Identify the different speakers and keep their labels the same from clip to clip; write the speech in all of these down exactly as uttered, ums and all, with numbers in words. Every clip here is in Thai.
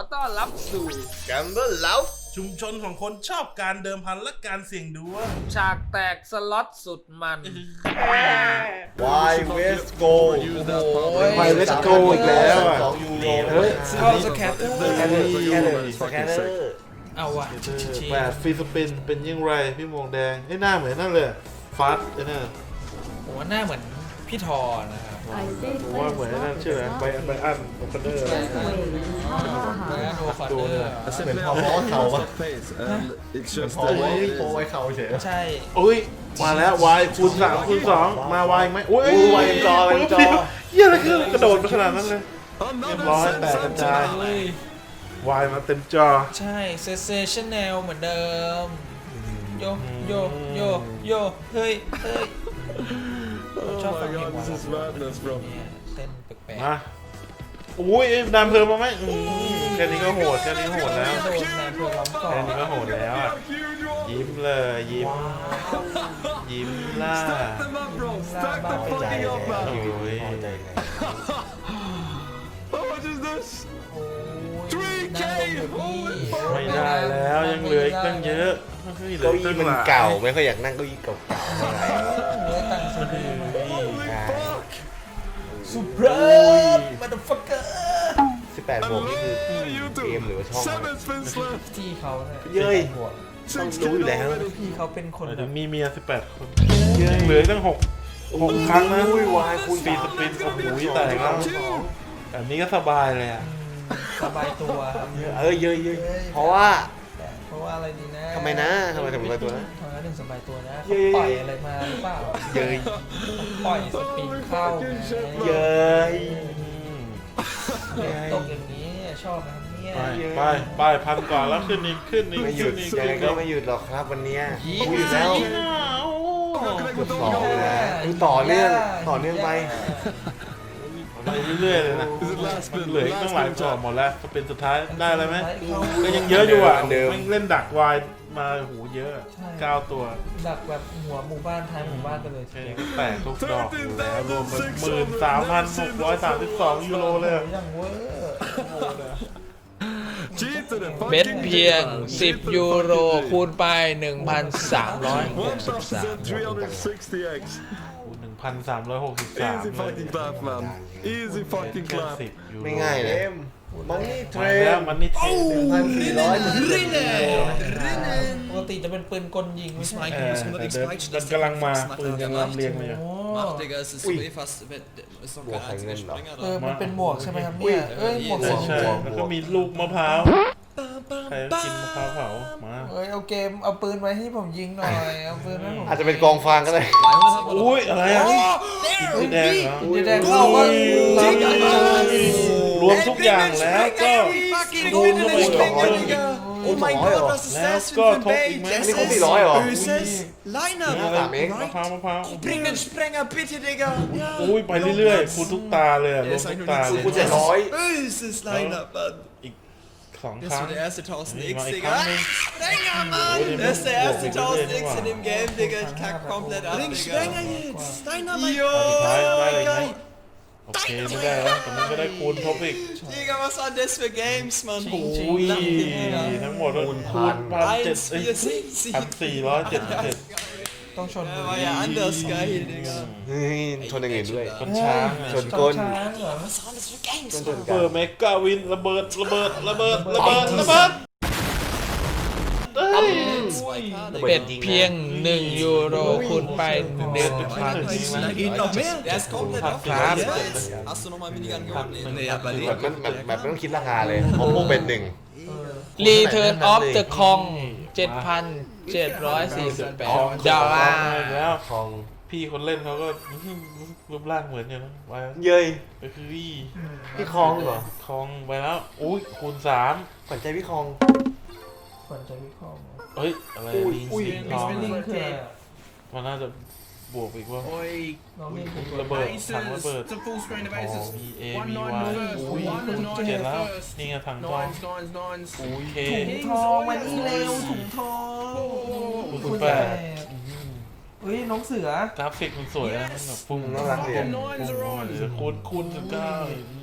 Speaker 1: ต้อนรับสู่
Speaker 2: Gamble Love
Speaker 3: ชุมชนของคนชอบการเดิมพันและการเสี่ยงดวง
Speaker 1: ฉากแตกสล็อตสุดมัน
Speaker 2: Why West Go
Speaker 3: โอ้ย Why West Go อีกแล้วอ่ะ
Speaker 2: สองยูโร
Speaker 3: เฮ้ย
Speaker 4: เข้าสแคตเตอร์
Speaker 2: แคลร์แคลร์สแกนเนอร์
Speaker 4: เอาว่ะ
Speaker 3: แปดฟรีสปินเป็นยิ่งไรพี่มงแดงไอ้หน้าเหมือนนั่นเลยฟาสไอ้นั่น
Speaker 4: ผมว่าหน้าเหมือนพี่ทอนะครับ
Speaker 3: ผมว่าเหมือนนั่นชื่ออะไรไบอันไบอันโอคอนเดอร์
Speaker 4: แล้วโดคอนเดอร์
Speaker 2: เหมือนพอเพราะว่าเขาปะพอไว้พอไว้เขาเฉย
Speaker 4: ใช่
Speaker 3: อุ้ยมาแล้ววายคูณสามคูณสองมาวายไหมอุ้ย
Speaker 2: อู้วายจอวายจอ
Speaker 3: เยี่ยอะไรคือกระโดดไปขนาดนั้นเลยเรียบร้อยแตกกระจายวายมาเต็มจอ
Speaker 4: ใช่เซเซชั่นแนลเหมือนเดิมโยโยโยโยเฮ้ยเฮ้ยชอบฟังเพลงวายเนี่ยเต้นแปลก
Speaker 3: มาอุ้ยดันเพลิงมาไหมอืมแค่นี้ก็โหดแค่นี้โหดแล้ว
Speaker 4: ๆโดนแนวเพื่อล้อมก่อ
Speaker 3: แค่
Speaker 4: น
Speaker 3: นี้ก็โหดแล้วอ่ะยิ้มเลยยิ้มยิ้มล่า
Speaker 4: ล่าบ้าไป
Speaker 2: ใจ
Speaker 4: ใจ
Speaker 2: เลย
Speaker 3: โอ้ย
Speaker 2: พอใจเลย
Speaker 3: ไม่ได้แล้วยังเหลืออีกตั้งเยอะเฮ้ยเหลื
Speaker 2: เก้า
Speaker 3: ออีก
Speaker 2: อี้
Speaker 3: ตั้ง
Speaker 2: มัน
Speaker 3: หลาย
Speaker 2: เก่าไม่ค่อยอยากนั่งเก้าอี้เก่า
Speaker 4: เนื้อตังสดือมา
Speaker 2: ๆใช่
Speaker 4: สุพรสมาดฟักเกอร์
Speaker 2: สิบแปดบวกนี่คือเกมหรือว่าช่องวะ
Speaker 4: ที่เขาเนี่ย
Speaker 2: เย้ย ต้องรู้อยู่แล้ว
Speaker 4: พี่เขาเป็นคน
Speaker 3: หมาย
Speaker 4: แบ
Speaker 3: ถึ
Speaker 4: บ
Speaker 3: งมีเมียสิบแปดคนยังเหลืออีกตั้งหกหกครั้งนะ
Speaker 2: อุ้ยวายคูณ
Speaker 3: ฟรีสปินโอ้โหแต่แล้วแบบนี้ก็สบายเลยอ่ะ
Speaker 4: สบายตัวครับ
Speaker 2: เออเยอะเยอะเพราะว่า
Speaker 4: เพราะว่าอะไรดีนะ
Speaker 2: ทำไมนะทำไมถึงสบายตัวนะ
Speaker 4: ทำไมถึงสบายตัวนะ
Speaker 2: เย้
Speaker 4: เขาปล่อยอะไรมาหรือเปล่า
Speaker 2: เย้ย
Speaker 4: ปล่อยสปริงเข้าไง
Speaker 2: เย้ย
Speaker 4: ตกอย่างนี้ชอบนะครับเนี่ย
Speaker 3: ไปไปไปพันก่อนแล้วขึ้นอีกขึ้นอีก
Speaker 2: ไม่หยุด
Speaker 3: ขึ้นอีก
Speaker 2: ยังไงก็ไม่หยุดหรอกครับวันนี้คุยแล้วเกือบสองเลยนะคือต่อเนื่องต่อเนื่องไป
Speaker 3: ไปเรื่อยๆเลยนะมันเหลืออีกตั้งหลายต่อหมดแล้วจะเป็นสุดท้ายได้อะไรไหมก็ยังเยอะอยู่อ่ะแม่งเล่นดักวายมาโหเยอะเก้าตัว
Speaker 4: ดักแบบหัวหมู่บ้านท้ายหมู่บ้านไปเลย
Speaker 3: แค่นี้ก็แตกทุกดอกอยู่แล้วรวมเป็นหมื่นสามพันหกร้อยสามสิบสองยูโรเลย
Speaker 4: อย่างเวอร์
Speaker 5: เบ็ดเพียงสิบยูโรคูณไป หนึ่งพันสามร้อยหกสิบสาม
Speaker 3: หนึ่งพันสามร้อยหกสิบสาม
Speaker 6: Easy fucking clap, man. Easy fucking
Speaker 3: แค่
Speaker 6: clap.
Speaker 3: สิบยูโร
Speaker 2: ไม่ง่ายเลยมันนี่เทร
Speaker 3: มาแล้ว
Speaker 2: น
Speaker 3: มันนี่เทรน
Speaker 2: พันสี่ร้อย
Speaker 4: ปกติจะเป็นปืนกลยิงไม่ใช่
Speaker 3: เออแต่เดินมันกำลังมาปืนยังลำเลียงเลยอะ
Speaker 4: โอ้
Speaker 7: Ach, Digga, es ist so eh fast. Ist doch kein einziger Springer
Speaker 4: เออ
Speaker 7: da.
Speaker 4: มันเป็นหมวกใช่ไหมครับเนี่ยเอ้ยหมวก
Speaker 3: ใช่
Speaker 4: สอง
Speaker 3: ใช่
Speaker 4: หัว
Speaker 3: แล้วก็มีลูกมะพร้าวใครกินมะพร้าวเผามา
Speaker 4: เอ้ยเอาเกมเอาปืนไว้ให้ผมยิงหน่อยเอาปืนไว้ให้ผม
Speaker 2: อาจจะเป็นกองฟางก็ได้
Speaker 3: อุ้ยอะไรอ่ะสีแดงเหรอ
Speaker 4: จะแดงเข้าว่า
Speaker 3: รวมทุกอย่างแล้วก็คูณเข้าไปก่อน
Speaker 2: โอ้my god
Speaker 3: แล้วก็ทบอีกไหม
Speaker 2: อันนี้ครบสี่ร้อยเหรอ
Speaker 7: Line-up!
Speaker 2: นี่สามเอง
Speaker 3: มะพร้าวมะพร้าว
Speaker 7: Bring den Sprenger, bitte, Digga!
Speaker 3: อุ้ยไปเรื่อยๆคูณทุกตาเลยอะรวมทุกตาเลย
Speaker 2: คูณเจ็ดร้อย
Speaker 7: Böses Line-up, Mann!
Speaker 3: อีกสอง
Speaker 7: Das
Speaker 3: ครั้ง
Speaker 7: war der erste
Speaker 3: นี่
Speaker 7: tausend
Speaker 3: มา
Speaker 7: X,
Speaker 3: อีก
Speaker 7: Digga!
Speaker 3: ครั้งหนึง
Speaker 7: Sprenger, Mann! Das ist der erste tausend X in dem Game, Digga! Ich kack komplett ab, Bring Sprenger jetzt! Dynamite!
Speaker 3: สุดท้ายได้อะไร
Speaker 7: Yo!
Speaker 3: ไหมโอเคไม่ได้แล้วแต่มันก็ได้คูณทบอีก
Speaker 7: Digga, was waren das für Games, Mann?
Speaker 3: อุ้ยทั้งหมดคูณพันเจ็ด
Speaker 7: eins,
Speaker 3: เอ้ย
Speaker 7: vier, sechs,
Speaker 3: พัน
Speaker 7: sieben.
Speaker 3: สี่ร้อยเจ็ดสิบเจ็ด
Speaker 4: ต้องชน
Speaker 7: Der war ja anders geil, Digga.
Speaker 2: เฮ้ยชนอย่างอื่นด้วย
Speaker 3: คนช้าง
Speaker 2: ช
Speaker 3: อะ
Speaker 2: นก้น
Speaker 4: ช้างเหรอ
Speaker 7: Was waren das für Games,
Speaker 2: ชน
Speaker 7: Mann?
Speaker 2: กั
Speaker 3: เปิ
Speaker 2: น
Speaker 3: ดเมกาวินระเบิดระเบิดระเบิดระเบิดระเบิดเอ้ย
Speaker 7: zwei K,
Speaker 5: เป็ด
Speaker 7: Digga.
Speaker 5: เพียงหนึ่งยูโรคูณไป หนึ่งพัน
Speaker 7: Da geht noch mehr. Der ist komplett
Speaker 5: Hat
Speaker 7: aufgehört.
Speaker 5: Grab.
Speaker 7: Jetzt hast du nochmal Minigun gewonnen. Nee, aber
Speaker 2: แบบมันแบบแบบไม่ต้องคิดราคาเลยเพราะพวกเป็นหนึ่ง
Speaker 5: รีเทิร์นออฟเดอะคอง เจ็ดพันเจ็ดร้อยสี่สิบแปด ดอลลาร์
Speaker 3: แล้ว
Speaker 2: ทอง
Speaker 3: พี่คนเล่นเขาก็รูปร่างเหมือนกันนะไป
Speaker 2: เย้ย
Speaker 3: ไปคือวี่
Speaker 2: พี่คองเหรอ
Speaker 3: คองไปแล้วอุ้ยคูณสาม
Speaker 2: ขวัญใจพี่คอง
Speaker 4: ขวัญใจวิเคราะห์
Speaker 3: เฮ้ยอะไรลิงลิง
Speaker 4: น้
Speaker 3: น้
Speaker 4: อ
Speaker 3: อง ง
Speaker 4: ลิงคืออะไรอะ
Speaker 3: มันน่าจะบวกอีกว่า
Speaker 4: น้องลิงคือ
Speaker 3: ระเบิดถังระเบิดมีเอมีวายอุ้ยเจ็ดแล้วนี่ไงถังทองอุ้ยเค
Speaker 4: ถุงทองมานี่เร็วถุงทอง
Speaker 3: คูณแปด
Speaker 4: เฮ้ยน้องเสือก
Speaker 3: ราฟิกมันสวยนะมันแบบฟุ้ง
Speaker 2: น่ารักดี
Speaker 3: ฟุ้งฟุ้งฟุ้งคูณคูณสิบเก้า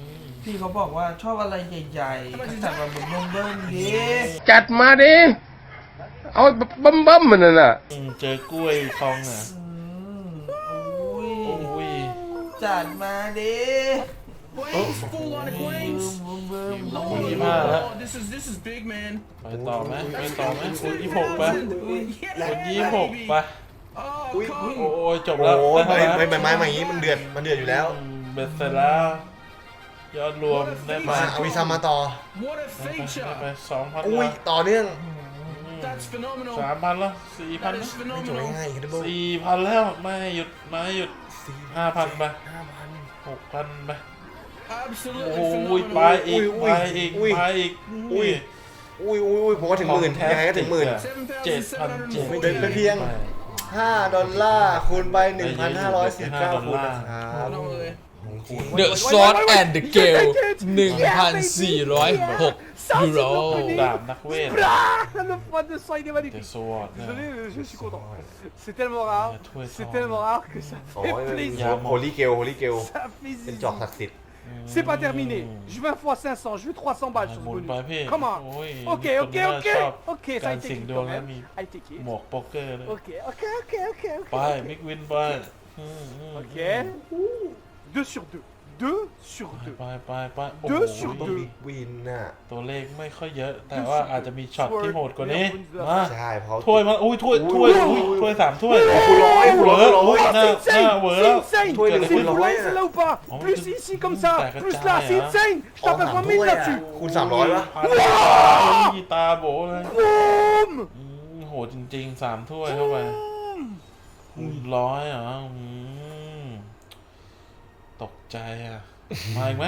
Speaker 4: พี่เขาบอกว่าชอบอะไรใหญ่ๆก็จัดมาเหมือนนมเบิ้มดิ
Speaker 8: จัดมาดิ เอาบัมบัมมันน่ะ
Speaker 3: อืมเจอกล้วยทองอ่ะ
Speaker 4: อืมอุ้ย
Speaker 3: โอ้ย
Speaker 4: จัดมาดิ
Speaker 6: Queens, full on of Queens.
Speaker 4: เบิ้ม
Speaker 3: ลงคูณยี่ห้าแล้ว
Speaker 6: Oh, this is this is big, man.
Speaker 3: ไปต่อไหมไปต่อไหมคูณยี่หกไป
Speaker 6: Yeah,
Speaker 3: คูณยี่หก
Speaker 6: baby.
Speaker 3: ไป
Speaker 6: Oh,
Speaker 2: อุ้ย
Speaker 6: come
Speaker 3: โอ้ยจบ
Speaker 2: โอ้
Speaker 3: แล้ว
Speaker 2: โห
Speaker 3: ได้
Speaker 2: ไม่
Speaker 3: เท่าไหร่
Speaker 2: ไม่ไม่ไม้มาอย่างนี้มันเดือดมันเดือดอยู่แล้ว
Speaker 3: อืมเบ็ดเสร็จแล้ว ยอดรวมได้
Speaker 2: มา
Speaker 3: มา
Speaker 2: เอาวีซ่ามาต่อ
Speaker 6: What a
Speaker 3: ได้ไป
Speaker 6: feature.
Speaker 3: ไปสองพัน
Speaker 2: อุ้ยต่อเนื่อง
Speaker 6: That's phenomenal.
Speaker 3: สามพันแล้วสี่พัน
Speaker 6: That is
Speaker 2: ไม่จบ
Speaker 6: phenomenal.
Speaker 2: ง่ายๆครับทุกคน
Speaker 3: สี่พันแล้วไม่หยุดไม่หยุดห้าพันไป
Speaker 2: ห้าพัน
Speaker 3: หกพันไป
Speaker 6: Absolutely
Speaker 3: โอ้ย
Speaker 6: phenomenal.
Speaker 3: ไปอีก
Speaker 2: อุ้
Speaker 3: ไป
Speaker 2: ย
Speaker 3: อีก
Speaker 2: อุ้ย
Speaker 3: ไปอีก
Speaker 2: อุ้ย อุ้ยอุ้ยอุ้ยผมว่าถึงหมื่นยังไงก็ถึงหมื่น
Speaker 3: เจ็ดพันเจ็ด
Speaker 2: เป็นไปเพียง ห้าดอลลาร์คูณไปหนึ่งพันห้าร้อยสี่สิบเก้าคูณนะครับ
Speaker 5: The Sword and the Gale หนึ่งพันสี่ร้อยหกยูโร
Speaker 3: ดาบนักเวท
Speaker 7: Le point de sang, il est
Speaker 3: เด
Speaker 7: magnifique.
Speaker 3: สวอร์ดเนี่ย
Speaker 7: Désolé, je suis content. C'est tellement rare.
Speaker 3: Ouais,
Speaker 7: C'est
Speaker 3: toi,
Speaker 7: tellement rare que ça
Speaker 2: โอ้
Speaker 7: fait
Speaker 2: ย
Speaker 7: plaisir.
Speaker 2: โฮลี่เกลโฮลี่เกล
Speaker 7: Ça fait
Speaker 2: เป็น
Speaker 7: plaisir.
Speaker 2: จอกศักดิ์สิทธิ์
Speaker 7: C'est pas terminé. Je veux un fois cinq cents, je veux trois cents balles sur
Speaker 3: ห
Speaker 7: ce
Speaker 3: มุน
Speaker 7: bonus.
Speaker 3: ไปพี่
Speaker 7: Come on.
Speaker 3: โอ้ย
Speaker 7: Ok,
Speaker 3: มี
Speaker 7: ok,
Speaker 3: คน
Speaker 7: ok.
Speaker 3: น่าชอบ
Speaker 7: Ok, ça
Speaker 3: กา
Speaker 7: a
Speaker 3: ร
Speaker 7: été
Speaker 3: เสี่ยง
Speaker 7: kick
Speaker 3: ดวง
Speaker 7: quand
Speaker 3: แล้ว
Speaker 7: même.
Speaker 3: มี
Speaker 7: I take it.
Speaker 3: หมวกโป๊กเกอร์เลย
Speaker 7: Ok, ok, ok, ok, ok.
Speaker 3: ไปมิกวินไปอืมอืม
Speaker 7: Ok. deux sur deux. deux sur
Speaker 3: ไป
Speaker 7: deux.
Speaker 3: ไปไปไปโอ้
Speaker 7: Deux
Speaker 3: โห
Speaker 7: sur
Speaker 2: ต้อง
Speaker 7: deux.
Speaker 2: บิ๊กวินน่ะ
Speaker 3: ตัวเลขไม่ค่อยเยอะ แต่ว่าอาจจะมีช็อตที่โหดกว่านี้มา
Speaker 2: ใช่เพราะ
Speaker 3: ถ้วยมาอุ้ยถ้วยถ้วยอุ้ยถ้วยสามถ้วย
Speaker 2: คุณร้อยคุณ
Speaker 3: เหว
Speaker 2: ร้อย
Speaker 3: อ
Speaker 2: คุณร้อย
Speaker 3: อุ้ยหน้า
Speaker 7: C'est
Speaker 3: หน้า
Speaker 7: insane.
Speaker 3: เหวอ
Speaker 7: C'est
Speaker 3: แล้ว
Speaker 7: insane.
Speaker 2: Toi, il est
Speaker 7: C'est
Speaker 2: full
Speaker 7: vous là,
Speaker 2: right,
Speaker 7: c'est là ou pas?
Speaker 3: Oh,
Speaker 7: Plus
Speaker 3: mais-
Speaker 7: ici comme
Speaker 3: T'as
Speaker 7: ça.
Speaker 3: que
Speaker 7: Plus
Speaker 3: t'as,
Speaker 7: là, c'est
Speaker 3: hein.
Speaker 7: insane. Je
Speaker 2: อ๋อ
Speaker 7: tape
Speaker 2: สาม
Speaker 7: vingt
Speaker 2: ถ้ว
Speaker 7: mille
Speaker 2: ยอ่ะ
Speaker 7: là-dessus.
Speaker 2: คูณสามร้อยวะ
Speaker 3: พันอุ้ยตาโบเลย
Speaker 7: Boum.
Speaker 3: อืมโหดจริงๆสามถ้วยเข้าไปคูณร้อยเหรออืมตกใจอ่ะ มาอีกไหม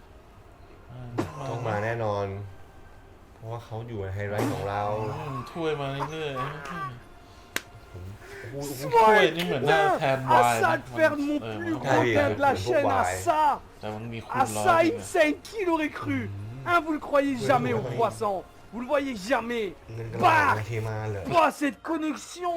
Speaker 2: ต้องมาแน่นอน เพราะว่าเขาอยู่ในไฮไลท์ของเรา
Speaker 3: อืมถ้วยมาเรื่อย
Speaker 2: โอ้โห
Speaker 3: ๆถ้วยนี่เหมือนหน้าแทนวาย
Speaker 7: À ça de faire de mon
Speaker 3: เออ
Speaker 7: plus
Speaker 3: มัน
Speaker 7: gros gain de la chaîne, à ça.
Speaker 3: แต่มันมีคูณ
Speaker 7: À
Speaker 3: ร้อย
Speaker 7: ça,
Speaker 3: จริง
Speaker 7: insane. Qui l'aurait cru? Hein, vous le croyez jamais au croissant. Vous le voyez jamais.
Speaker 2: เงินกระบาดมาเทมาเลย
Speaker 7: Pas cette connexion.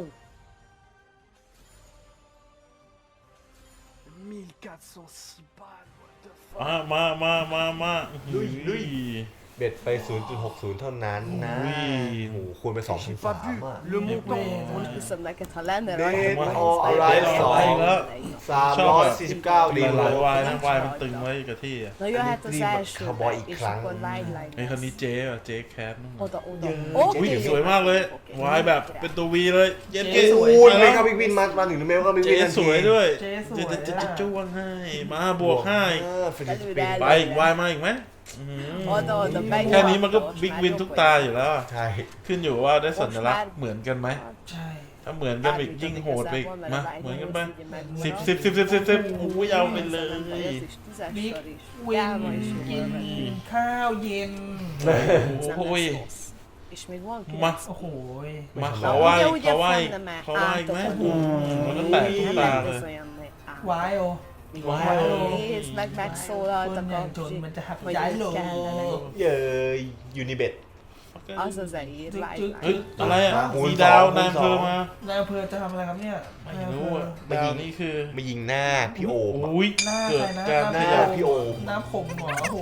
Speaker 7: mille quatre cent six balles. What the fuck?
Speaker 3: อ่ะมามามามา
Speaker 2: ลุยลุย เบ็ดไป ศูนย์จุดหกศูนย์ เท่านั้นนะ
Speaker 3: อุ้ย
Speaker 2: โอ้โหคูณไปสองพัน
Speaker 7: J'ai
Speaker 2: สา
Speaker 7: pas
Speaker 2: ม
Speaker 7: vu
Speaker 2: อ่ะ
Speaker 7: le montant.
Speaker 9: Som Catalan
Speaker 2: Det är
Speaker 9: eller
Speaker 2: all right,
Speaker 3: สองแล้ว
Speaker 2: สามร้อยสี่สิบเก้า
Speaker 3: ห
Speaker 2: ดี
Speaker 3: ลาย
Speaker 2: เล
Speaker 3: หลาย
Speaker 2: ย
Speaker 3: วายนะวายมันตึงไว้กับที่อ่ะ
Speaker 9: Når jeg heter
Speaker 2: Lige
Speaker 9: Sasha,
Speaker 2: cowboy i
Speaker 9: ikke
Speaker 2: klang.
Speaker 9: på Light
Speaker 3: ไอ้คนนี้เจ๊อ่ะเจ๊แคทนู่น
Speaker 9: Og der under.
Speaker 3: อุ้ยสวยมากเลย วายแบบเป็นตัววีเลย เย็นเก๋
Speaker 2: โอ้ยไม่เข้าบิ๊กวินมามาถึงเมลก็บิ๊ก
Speaker 3: เจ๊
Speaker 2: วินทันที
Speaker 3: สวยด้วย
Speaker 4: เจ๊สวย
Speaker 3: จะจะจะ
Speaker 4: อะ
Speaker 3: จ้วงให้ มาบวกให้
Speaker 2: เออฟิลิปปินส์
Speaker 3: ไปอีกวายมาอีกไหมอื้อหือ
Speaker 9: Og der under begge.
Speaker 3: แค่นี้มันก็บิ๊กวินทุกตาอยู่แล้ว
Speaker 2: ใช่
Speaker 3: ขึ้นอยู่ว่าได้สัญลักษณ์เหมือนกันไหม
Speaker 4: ใช่
Speaker 3: ถ้าเหมือนกันอีกยิ่งโหดไปอีกมาเหมือนกันไปสิบสิบสิบสิบสิบสิบอุ้ยเอาไปเลย
Speaker 4: บิ๊กวินกินข้าวเย็น
Speaker 3: โอ้ย
Speaker 9: És még van
Speaker 3: มา
Speaker 4: โอ้โหย
Speaker 3: มาเขาไหวเขาไหวเขาไหวอีกไหมอืมมันก็แตกทุกตาเลย
Speaker 4: วายโอ
Speaker 9: Wow. Nézd meg, megszólaltak
Speaker 4: คนอย่าง
Speaker 9: a
Speaker 4: จนมันจะหัก
Speaker 9: hogy
Speaker 4: ใจ
Speaker 9: mit
Speaker 4: โล
Speaker 9: kellene.
Speaker 2: เย้ยยูนิเบ็ด
Speaker 9: Az az eír,
Speaker 3: เฮ้ย
Speaker 9: Light
Speaker 3: อะไรอ่ะ
Speaker 2: คูณ
Speaker 3: มี
Speaker 2: สอง
Speaker 3: ดาว
Speaker 2: คูณ
Speaker 3: นายอำ
Speaker 2: ส
Speaker 3: เภ
Speaker 2: อง
Speaker 3: อมา
Speaker 4: นายอำเภอจะทำอะไรครับเนี่ย
Speaker 3: ไม่รู้อ่ะดาวนี่คือ
Speaker 2: มายิงหน้าพี่โอมอะ
Speaker 3: อุ้ย
Speaker 4: หน้า
Speaker 3: เกิ
Speaker 4: ใคร
Speaker 3: ด
Speaker 4: นะ
Speaker 3: การ
Speaker 2: ห
Speaker 3: ข
Speaker 2: น้า
Speaker 3: ยับ
Speaker 2: พี่โอม
Speaker 4: น้ำผมหัวโอ้โห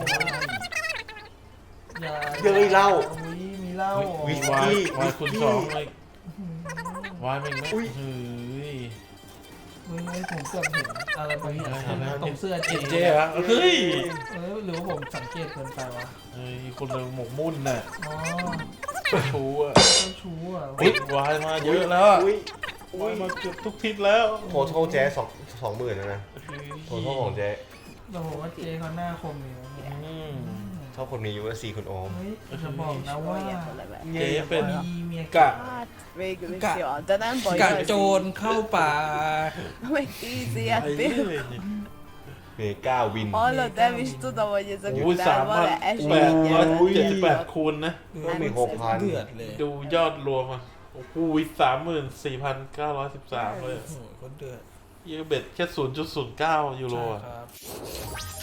Speaker 4: อย่า
Speaker 2: เย้ยเหล้า
Speaker 4: อุ๊ยมีเหล้า
Speaker 2: วิส
Speaker 3: วาย
Speaker 2: กี้
Speaker 3: วายคูณสองเล
Speaker 2: วิ
Speaker 3: ยวายไม่ไหม
Speaker 2: อุ้ย
Speaker 3: เฮ้ย
Speaker 4: อุ๊ยผมเกือบเห็นอะไรบางอย่าง
Speaker 3: อะไร
Speaker 4: ตรงเสื้อเจ๊
Speaker 3: เจ๊เหรอเฮ้ย
Speaker 4: เออหรือว่าผมสังเกตเกินไปวะ
Speaker 3: เฮ้ยคนเราหมกมุ่นน่ะ
Speaker 4: อ๋อ
Speaker 3: ชูอ่ะ
Speaker 4: เจ้าชู้อ่ะ
Speaker 3: อุ้ยวายมาเยอะแล้วอะ
Speaker 2: อุ้ยว
Speaker 3: ายมาเกือบทุกทิศแล้ว
Speaker 2: โทโทแจ๊สองสองหมื่นแล้วนะโทโทของแจ๊
Speaker 4: แต่ผมว่าเจ๊เขาหน้าคมอยู่นะเนี่ย
Speaker 3: อืม
Speaker 2: ชอบคนมียูเอสซีคุณโอม
Speaker 4: เฮ้ยจะบอกนะว่า
Speaker 3: เจ๊เป็น
Speaker 4: มีเมีย
Speaker 3: กะ
Speaker 9: Hát végül is jó, de nem baj.
Speaker 4: กะ
Speaker 9: az
Speaker 4: โจร
Speaker 9: így.
Speaker 4: เข้าป่า
Speaker 9: Meg easy
Speaker 3: ไป
Speaker 9: hát
Speaker 3: เรื่อย
Speaker 9: például.
Speaker 2: เมก้าวิน
Speaker 9: Hallod, nem is tudom, hogy ezek
Speaker 3: อุ้ยสาม
Speaker 9: után
Speaker 3: พัน
Speaker 9: van-e
Speaker 3: แปดร้อย
Speaker 9: esélye.
Speaker 3: เจ็ดสิบแปดคูณนะ
Speaker 2: ก็มีหกพัน
Speaker 4: เดือดเลย
Speaker 3: ดูยอดรวมอ่ะโอ้โหสามหมื่นสี่พันเก้าร้อยสิบสามเลย
Speaker 4: โอ้โหคนเดือด
Speaker 3: เยอะเบ็ดแค่ศูนย์จุดศูนย์เก้ายูโร
Speaker 4: ใช่
Speaker 3: อ่ะ
Speaker 4: ครับ